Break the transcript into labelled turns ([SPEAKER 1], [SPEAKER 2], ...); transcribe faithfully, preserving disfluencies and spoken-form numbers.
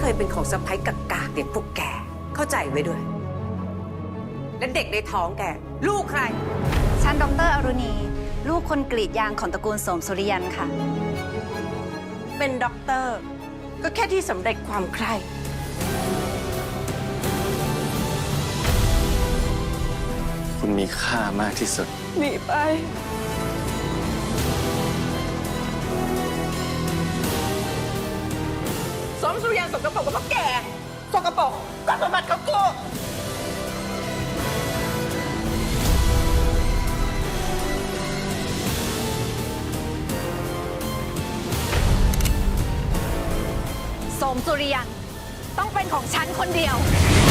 [SPEAKER 1] เคยเป็นของสะใภ้กากๆเด็กพวกแกเข้าใจไว้ด้วย และเด็กในท้องแกลูกใคร
[SPEAKER 2] ฉันดรอรุณีลูกคนกรีดยางของตระกูลโสมสุริยันค่ะ
[SPEAKER 1] เป็นด็อกเตอร์ก็แค่ที่สำเร็จความใคร่
[SPEAKER 3] คุณมีค่ามากที่สุด
[SPEAKER 1] หนีไปสมสุริยันสกปรกกับพวกแกสกปรกก็สมบัติของกู
[SPEAKER 2] โสมสุริยันต้องเป็นของฉันคนเดียว